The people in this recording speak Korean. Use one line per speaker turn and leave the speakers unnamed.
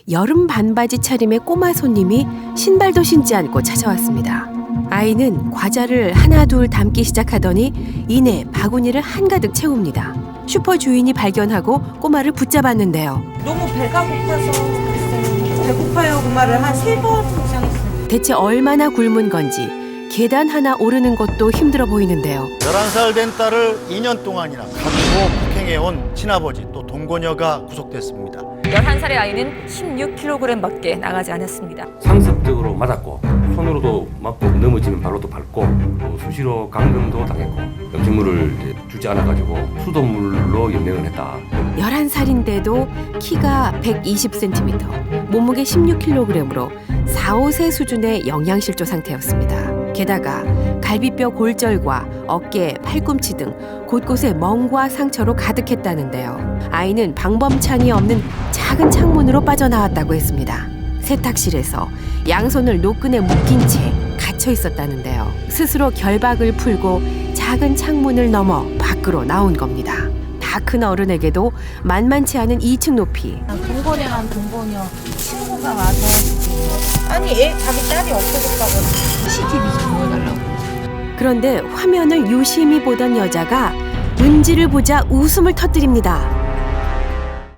여름 반바지 차림의 꼬마 손님이 신발도 신지 않고 찾아왔습니다. 아이는 과자를 하나 둘 담기 시작하더니 이내 바구니를 한가득 채웁니다. 슈퍼 주인이 발견하고 꼬마를 붙잡았는데요.
너무 배가 고파서 그랬어요. 배고파요 그 말을 한 3번 이상 했어요.
대체 얼마나 굶은 건지 계단 하나 오르는 것도 힘들어 보이는데요.
11살 된 딸을 2년 동안이나 가두고 폭행해온 친아버지 또 동거녀가 구속됐습니다.
11살의 아이는 16kg밖에 나가지 않았습니다.
상습적으로 맞았고 손으로도 맞고 넘어지면 발로도 밟고 또 수시로 감금도 당했고 음식물을 주지 않아가지고 수돗물로 연명을 했다.
11살인데도 키가 120cm, 몸무게 16kg으로 4, 5세 수준의 영양실조 상태였습니다. 게다가 갈비뼈 골절과 어깨, 팔꿈치 등 곳곳에 멍과 상처로 가득했다는데요. 아이는 방범창이 없는 작은 창문으로 빠져나왔다고 했습니다. 세탁실에서 양손을 노끈에 묶인 채 갇혀 있었다는데요. 스스로 결박을 풀고 작은 창문을 넘어 밖으로 나온 겁니다. 다 큰 어른에게도 만만치 않은 2층 높이.
동거녀랑 동거녀 친구가 와서 아니 자기 딸이 없어졌다고 CCTV 좀 보여달라고.
그런데 화면을 유심히 보던 여자가 은지를 보자 웃음을 터뜨립니다.